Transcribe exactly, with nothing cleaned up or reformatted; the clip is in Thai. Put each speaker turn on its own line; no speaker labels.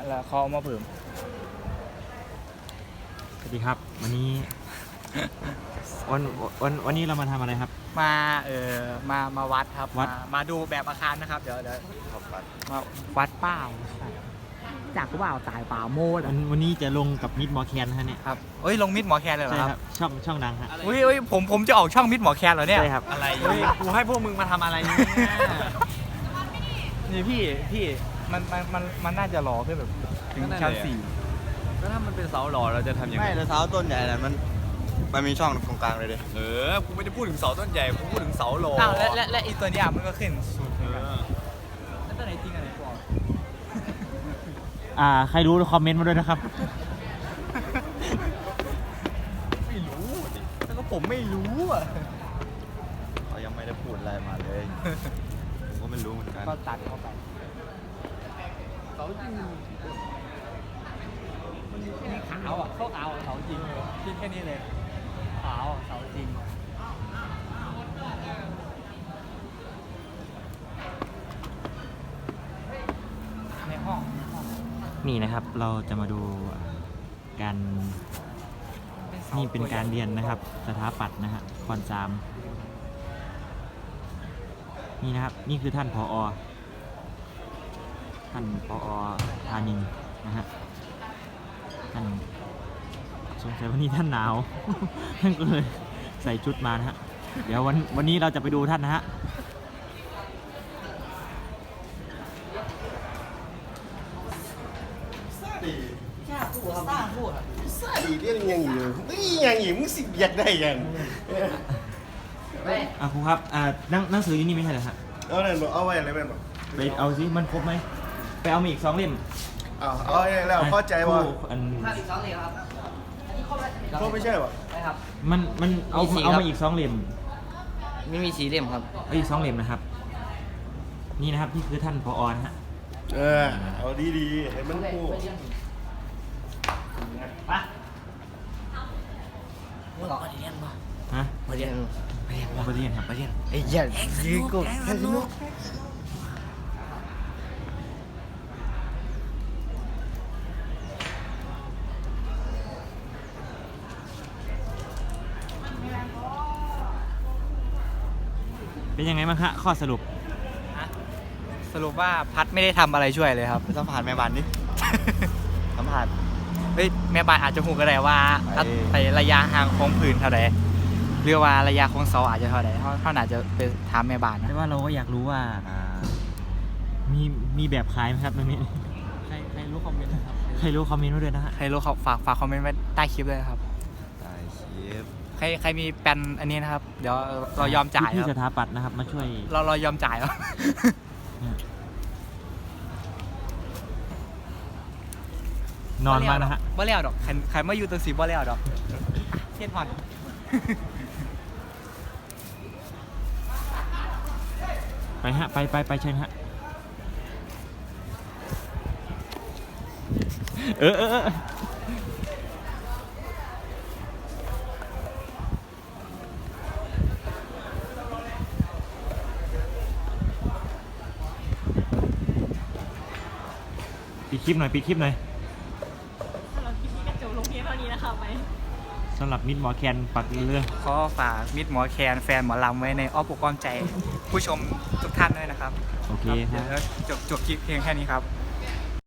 แล้วเขาเอามาเพิ่ม
สวัสดีครับวันนี้ วันวันวันนี้เรามาทำอะไรครับ
มาเออมามาวัดครับ
วัด
มามาดูแบบอาคารนะครับเดี๋ยวเดี๋ยวมาวัดเป้าจากกูเปล่าสายเปล่าโมด
วันวันนี้จะลงกับมิดมอแคนฮะเนี่ย
ครับเอ้ยลงมิดหมอแคนเลยเหรอ
ใช่
ครับ
ช่องช่องดังฮะ
อุ้ยอุ้ยผมผมจะออกช่องมิดหมอแคนเหรอเนี่ย
ใช่ครับ
อะไร
เฮ้ยกูให้พวกมึงมาทำอะไรเนี่ย
นี่พี่พี่มันมันมันมันน่าจะรอขึ้นแบบถึงชั้นสี่
ก็ถ้ามันเป็นเสาหล่อเราจะทำยังไง
ไม่แต่เท้าต้นใหญ่น่ะมันมันมีช่องตรงกลางเลยดิ
เออกูไม่ได้พูดถึงเสาต้นใหญ่กูพูดถึงเสาหล่อ
อ้าวและและและอีตัวเนี้ยมันก็ขึ้นสูงเห
เอ
มือนกัน
อ
แล้วตัวไหนจริงอันไหนปลอม
อ่าใครรู้คอมเมนต์มาด้วยนะครับ
ไม่รู้ดิแล้วก็ผมไม่รู้อ่ะ
เขายังไม่ได้พูดอะไรมาเลยผมก็ไม่รู้เหมือนกัน
ก็ตัดเข้าไปเสาจริงมันขาวอ่ะเข้าขาวเสาจริงเลยคิดแค่นี้เลยขาวเสาจริงในห้อง
นี่นะครับเราจะมาดูการนี่เป็นการเรียนนะครับ สถาปัตย์นะฮะคอนสามนี่นะครับนี่คือท่านผอท่านผอธานินนะฮะท่านสงสัยวันนี้ท่านหนาว ท่านก็เลยใส่ชุดมานะฮะเดี๋ยววันวันนี้เราจะไปดูท่านนะฮะ
ซาดีเรื่องยังอยู่นี่ยังอยู่มึงสิอยากได้ยัง
อ่ะครูครับอ่าหนังหนังสืออยู่นี่ไม่ใช่เหรอฮะ
เอาเลยบอกเอาไว้อะไรเป็นบอก
ไปเอาสิมันครบไหมไปเอามาอีกสองเล่ม
เอาเอาไว้แล้วเข้าใจว่า
คู่อัน
อีกสองเลยครับอันนี้ครบแล้ว
เขาไม่ใช่ป่ะ
ใช่ครับ
มันมันเอา
มีสี
เอา
ครั
มา
บ
อีกสองเล่ม
ไม่มีสีเล่มครับ
เอาอีกสองเล่มนะครับ นี่นะครับนี่คือท่านผอนะฮะ
เออเอาดีๆให้มันพูด
ปะมึงออกมาเรียนปะ
ฮะ
มาเรียนมาเรียน
เอาไปเรียนครับ
มาเรียนไอ้เหี้ยยืนกูให้สนุก
เป็นยังไงบ้างฮะข้อสรุป
สรุปว่าพัดไม่ได้ทำอะไรช่วยเลยครับ
สัมผัสแม่บ้านดิ สัมผัส
เฮ้ยแม่บ้านอาจจะหูก็ได้ว่า
ไอ้
ไอ้ระยะห่างของผืนเท่าไหร่หรือว่าระยะของเสาอาจจะเท่าไหร่เขาเขาอาจจะไปถามแม่บ้านนะ
แต่ว่าเราก็อยากรู้ว่า
อ่า
มีมีแบบขายไหมครับตรงนี้
ใครใครรู้คอมเมนต์นะครับ
ใครรู้คอมเมนต์มาด้วยนะฮะ
ใครรู้เขาฝากฝากคอมเมนต์ไว้ใต้คลิปเลยนะครับ
ได้คลิป
ใครใครมีแปลนอันนี้นะครับ เดี๋ยวเรายอมจ่าย
ที่
ค
ส
รับ
ถาปัตย์นะครับมาช่วย
เราเรายอมจ่ายครับ
นอนมานะฮะ
บ่เลี้ยวดอกใครใครมาอยู่ตัวสีบ่เลี้ยวดอกเทียนผ่อน
ไปฮะไปไปไปเชิญฮะเออเออเออปิดคลิปหน่อยปิดคลิปหน่อย
สำหรับคลิปนี้ก็จบลงเพียงเท่านี้นะคะไป
สำหรับมิดหมอแคนปักเรื่อง
ขอฝากมิตรหมอแคนแฟนหมอลำไว้ในอ้อมอกอ้อมใจ ผู้ชมทุกท่านด้วยนะครับ
โอเคค
เดี๋
รั
ยว
บ
จบจบคลิปเพียงแค่นี้ครับ